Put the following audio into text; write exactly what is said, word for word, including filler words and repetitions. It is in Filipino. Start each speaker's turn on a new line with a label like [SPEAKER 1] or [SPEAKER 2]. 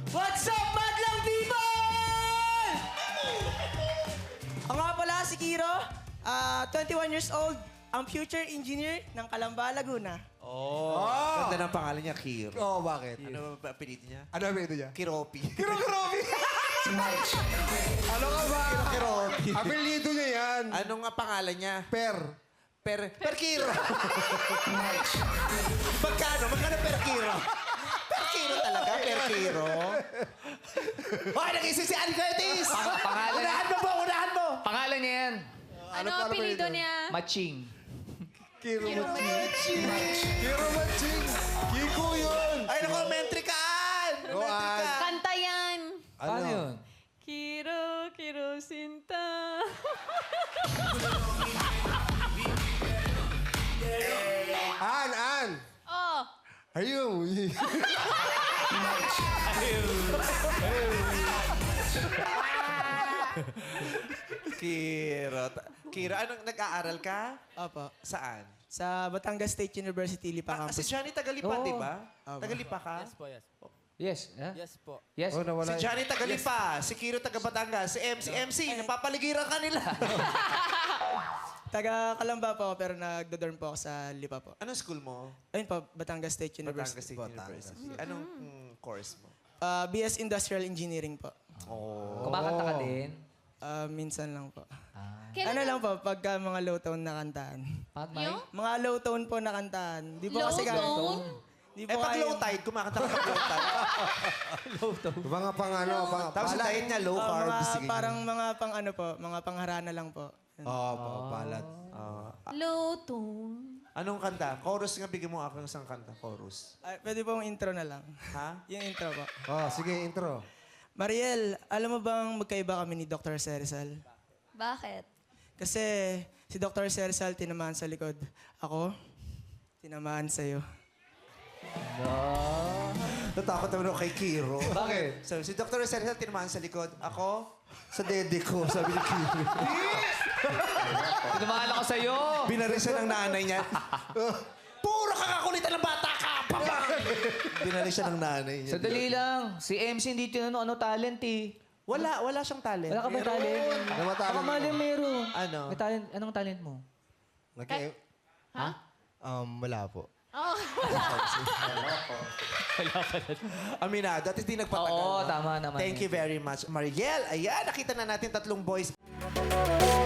[SPEAKER 1] What's up, madlang people? Ako nga pala si Kiro, ah, twenty-one years old, ang future engineer ng Calamba, Laguna.
[SPEAKER 2] Oh. Ganda ng pangalan niya, Kiro.
[SPEAKER 3] Oo, bakit?
[SPEAKER 2] Ano ba apelido niya?
[SPEAKER 3] Ano ang ito niya?
[SPEAKER 2] Kiropi.
[SPEAKER 3] Kiro Kiropi! Ano ka ba?
[SPEAKER 2] Kiropi.
[SPEAKER 3] Apelido niya yan.
[SPEAKER 2] Anong nga pangalan niya?
[SPEAKER 3] Per.
[SPEAKER 2] Per... Per Kiro. Magkano? Magkano per Kiro? Per Kiro talaga? Per Kiro? Hoy, nag-isip si Ann Curtis!
[SPEAKER 4] pangalan-
[SPEAKER 2] Unahan mo po! Unahan mo!
[SPEAKER 4] Pangalan niya yan.
[SPEAKER 5] Ano
[SPEAKER 3] pa-
[SPEAKER 5] ang apelido
[SPEAKER 3] apelido?
[SPEAKER 5] niya?
[SPEAKER 4] Maching.
[SPEAKER 3] Kiro Maching. Kiro Maching. Kiko yun.
[SPEAKER 2] Ay, naku, mentry ka, Ann!
[SPEAKER 3] Go,
[SPEAKER 2] Mentry ka.
[SPEAKER 5] Kanta yan.
[SPEAKER 4] Paano yun?
[SPEAKER 5] Kiro, Kiro, Sinta.
[SPEAKER 3] An, An.
[SPEAKER 5] Oh,
[SPEAKER 3] Ayun.
[SPEAKER 2] Kiro. Ta- Kiro, anong nag-aaral ka?
[SPEAKER 1] Opo.
[SPEAKER 2] Saan?
[SPEAKER 1] Sa Batangas State University, Lipa
[SPEAKER 2] Ah, si
[SPEAKER 1] Campus.
[SPEAKER 2] Johnny Tagalipa,
[SPEAKER 4] Oo.
[SPEAKER 2] di ba?
[SPEAKER 1] Opo.
[SPEAKER 2] Tagalipa ka?
[SPEAKER 4] Yes. Huh?
[SPEAKER 6] Yes po.
[SPEAKER 4] Yes.
[SPEAKER 3] Oh, nawala.
[SPEAKER 2] Si Johnny Tagalipa, si Kiro taga Batangas, si M C, M C, napapaligiran ka nila.
[SPEAKER 1] Taga Calamba po ako, pero nagdo-dorm po ako sa Lipa po.
[SPEAKER 2] Anong school mo?
[SPEAKER 1] Ayun po, Batangas State
[SPEAKER 2] Batangas
[SPEAKER 1] University.
[SPEAKER 2] State University. Anong mm, course mo?
[SPEAKER 1] Ah, B S Industrial Engineering po.
[SPEAKER 4] Kumakanta ka din.
[SPEAKER 1] Ah, minsan lang po.
[SPEAKER 5] kailan
[SPEAKER 1] Ano lang po, pagka mga low tone na kantaan.
[SPEAKER 4] Pat, Mike?
[SPEAKER 5] Yung?
[SPEAKER 1] Mga low tone po na kantaan. Di po
[SPEAKER 5] Low
[SPEAKER 1] kasi kaya-
[SPEAKER 5] tone?
[SPEAKER 1] Di
[SPEAKER 2] Eh,
[SPEAKER 1] po
[SPEAKER 2] pag
[SPEAKER 1] kaya-
[SPEAKER 2] low tide, kumakanta ka pag low tide.
[SPEAKER 3] Mga pang ano, pang...
[SPEAKER 2] Tapos yung diet niya, low
[SPEAKER 1] Ah,
[SPEAKER 2] carbs.
[SPEAKER 1] mga
[SPEAKER 2] sige.
[SPEAKER 1] parang mga pang ano po, mga pangharana lang po.
[SPEAKER 3] Oo, oh, palat.
[SPEAKER 2] Ah,
[SPEAKER 5] Low tone.
[SPEAKER 2] anong kanta? Chorus nga, bigyan mo ako ng isang kanta. Chorus.
[SPEAKER 1] Ah, pwede pong intro na lang.
[SPEAKER 2] Ha?
[SPEAKER 1] Yung intro po.
[SPEAKER 3] Oh, sige, intro.
[SPEAKER 1] Mariel, alam mo bang magkaiba kami ni Doctor Serizal?
[SPEAKER 5] Bakit?
[SPEAKER 1] Kasi si Doctor Serizal tinamaan sa likod. Ako, tinamaan sa'yo.
[SPEAKER 2] Natakot naman ako kay Kiro.
[SPEAKER 3] Bakit?
[SPEAKER 2] So, si Doctor Sergio tinamaan sa likod. Ako, sa dede ko, sabi ni Kiro.
[SPEAKER 4] Tumahala ko sa'yo.
[SPEAKER 2] Binari siya ng nanay niya. Puro kakakulitan ng bata ka! Papa! Binari siya ng nanay niya.
[SPEAKER 4] Sandali lang. Si M C hindi tinanong ano talent eh.
[SPEAKER 2] Wala, wala siyang talent.
[SPEAKER 4] Wala ka ba talent?
[SPEAKER 3] Ano ba talent
[SPEAKER 4] Baka mali
[SPEAKER 3] mo?
[SPEAKER 4] meron.
[SPEAKER 2] Ano?
[SPEAKER 4] May talent. Anong talent mo?
[SPEAKER 3] Nag-
[SPEAKER 4] Ha?
[SPEAKER 3] um, wala po.
[SPEAKER 5] Oh,
[SPEAKER 2] Aminado. At hindi nagpatagal.
[SPEAKER 4] Oo,
[SPEAKER 2] no?
[SPEAKER 4] tama naman.
[SPEAKER 2] Thank
[SPEAKER 4] eh.
[SPEAKER 2] you very much, Mariel. Ayan, nakita na natin tatlong boys.